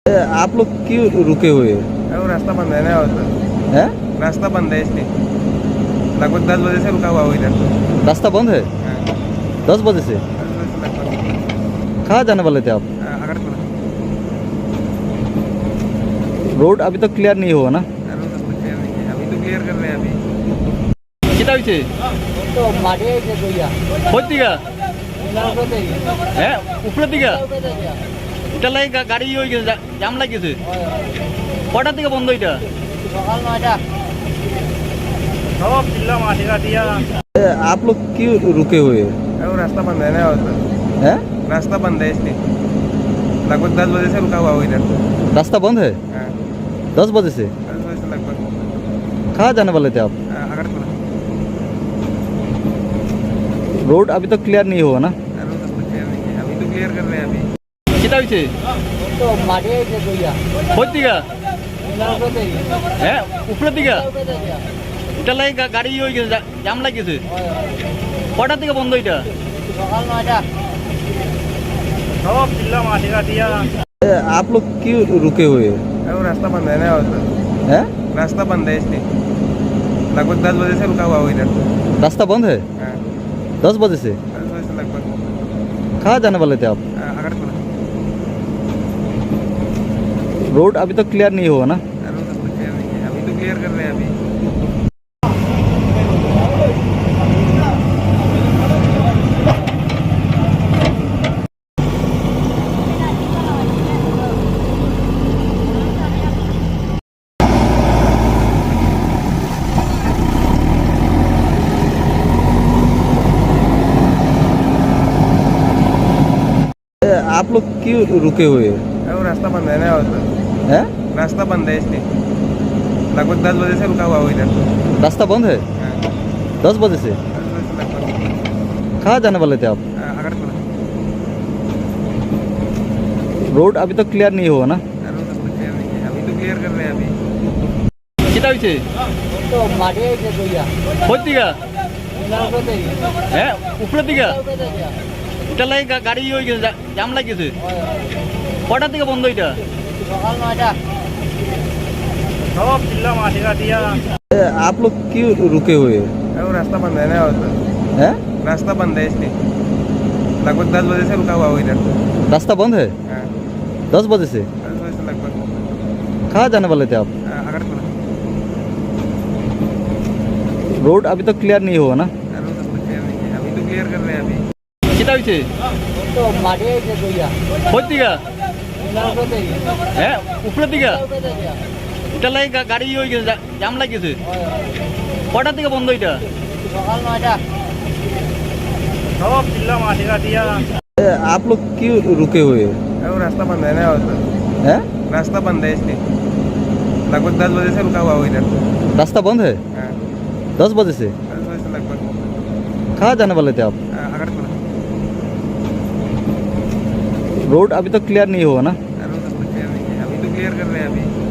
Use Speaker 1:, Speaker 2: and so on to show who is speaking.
Speaker 1: आप लोग क्यों रुके हुए हैं?
Speaker 2: वो रास्ता बंद है ना उधर।
Speaker 1: हैं?
Speaker 2: रास्ता बंद है इसलिए लगभग 10 बजे से रुका हुआ हूँ इधर।
Speaker 1: रास्ता बंद है
Speaker 2: हाँ,
Speaker 1: 10 बजे से।
Speaker 2: 10 बजे से लगभग।
Speaker 1: कहाँ जाने वाले थे आप?
Speaker 2: अगरतला।
Speaker 1: रोड अभी तक क्लियर नहीं हुआ ना?
Speaker 2: रोड तब तक क्लियर नहीं है, अभी तो क्लियर कर रहे हैं अभी।
Speaker 1: कितना হয়েছে?
Speaker 3: তো মাঠে এসে কইয়া
Speaker 1: কোন দিকে?
Speaker 3: নৌকোতে
Speaker 1: হ্যাঁ উপরের দিকে?
Speaker 3: নৌকোতে যা
Speaker 1: এটা লাগে গাড়ি হয়ে গেছে, জাম লাগিয়েছে। কটার দিকে বন্ধ এটা?
Speaker 3: সকাল 9টা।
Speaker 2: सब चिल्ला मारेगा दिया।
Speaker 1: आप लोग क्यों रुके हुए हैं?
Speaker 2: वो रास्ता बंद है ना उधर।
Speaker 1: हैं?
Speaker 2: रास्ता बंद है इसलिए लगभग 10 बजे से रुका हुआ हूँ इधर।
Speaker 1: रास्ता बंद है
Speaker 2: हाँ,
Speaker 1: 10 बजे से।
Speaker 2: 10 बजे से लगभग।
Speaker 1: कहाँ जाने वाले थे आप?
Speaker 2: अगरतला।
Speaker 1: रोड अभी तक क्लियर नहीं हुआ ना?
Speaker 2: रोड तब तक क्लियर नहीं है, अभी तो क्लियर कर रहे हैं अभी।
Speaker 1: कितना হয়েছে?
Speaker 3: তো মাঠে এসে কইয়া
Speaker 1: কোন দিকে?
Speaker 3: নৌকোতে
Speaker 1: হ্যাঁ উপরের দিকে?
Speaker 3: নৌকোতে যা
Speaker 1: এটা লাগে গাড়ি হয়ে গেছে, জাম লাগিয়েছে। কটার দিকে বন্ধ এটা?
Speaker 3: সকাল 9টা।
Speaker 2: सब चिल्ला मारेगा दिया।
Speaker 1: आप लोग क्यों रुके हुए हैं?
Speaker 2: वो रास्ता बंद है ना उधर।
Speaker 1: हैं?
Speaker 2: रास्ता बंद है इसलिए लगभग 10 बजे से रुका हुआ हूँ इधर।
Speaker 1: रास्ता बंद है
Speaker 2: हाँ,
Speaker 1: 10 बजे से।
Speaker 2: 10 बजे से लगभग।
Speaker 1: कहाँ जाने वाले थे आप?
Speaker 2: अगरतला।
Speaker 1: रोड अभी तक क्लियर नहीं हुआ ना?
Speaker 2: रोड तब तक क्लियर नहीं है, अभी तो क्लियर कर रहे हैं अभी।
Speaker 1: आप लोग क्यों रुके हुए हैं?
Speaker 2: वो रास्ता बंद है ना उधर।
Speaker 1: हैं?
Speaker 2: रास्ता बंद है इसलिए लगभग 10 बजे से रुका हुआ हूँ इधर।
Speaker 1: रास्ता बंद है
Speaker 2: हाँ,
Speaker 1: 10 बजे से।
Speaker 2: 10 बजे से लगभग।
Speaker 1: कहाँ जाने वाले थे आप?
Speaker 2: अगरतला।
Speaker 1: रोड अभी तक क्लियर नहीं हुआ ना?
Speaker 2: रोड तब तक क्लियर नहीं है, अभी तो क्लियर कर रहे हैं अभी।
Speaker 1: कितना হয়েছে?
Speaker 3: তো মাঠে এসে কইয়া
Speaker 1: কোন দিকে?
Speaker 3: নৌকোতে
Speaker 1: হ্যাঁ উপরের দিকে?
Speaker 3: নৌকোতে যা
Speaker 1: এটা লাগে গাড়ি হয়ে গেছে, জাম লাগিয়েছে। কটার দিকে বন্ধ এটা?
Speaker 3: সকাল 9টা।
Speaker 2: सब चिल्ला मारेगा दिया।
Speaker 1: आप लोग क्यों रुके हुए हैं?
Speaker 2: वो रास्ता बंद है ना उधर।
Speaker 1: हैं?
Speaker 2: रास्ता बंद है इसलिए लगभग 10 बजे से रुका हुआ हूँ इधर।
Speaker 1: रास्ता बंद है
Speaker 2: हाँ,
Speaker 1: 10 बजे से।
Speaker 2: 10 बजे से लगभग।
Speaker 1: कहाँ जाने वाले थे आप?
Speaker 2: अगरतला।
Speaker 1: रोड अभी तक क्लियर नहीं हुआ ना?
Speaker 2: रोड तब तक क्लियर नहीं है, अभी तो क्लियर कर रहे हैं अभी।
Speaker 1: कितना হয়েছে?
Speaker 3: তো মাঠে এসে কইয়া
Speaker 1: কোন দিকে?
Speaker 3: নৌকোতে
Speaker 1: হ্যাঁ উপরের দিকে?
Speaker 3: নৌকোতে যা
Speaker 1: এটা লাগে গাড়ি হয়ে গেছে, জাম লাগিয়েছে। কটার দিকে বন্ধ এটা?
Speaker 3: সকাল 9টা।
Speaker 2: सब चिल्ला मारेगा दिया।
Speaker 1: आप लोग क्यों रुके हुए हैं?
Speaker 2: वो रास्ता बंद है ना उधर।
Speaker 1: हैं?
Speaker 2: रास्ता बंद है इसलिए लगभग 10 बजे से रुका हुआ हूँ इधर।
Speaker 1: रास्ता बंद है
Speaker 2: हाँ,
Speaker 1: 10 बजे से।
Speaker 2: 10 बजे से लगभग।
Speaker 1: कहाँ जाने वाले थे आप?
Speaker 2: अगरतला।
Speaker 1: रोड अभी तक क्लियर नहीं हुआ ना?
Speaker 2: रोड तब तक क्लियर नहीं है, अभी तो क्लियर कर रहे हैं अभी।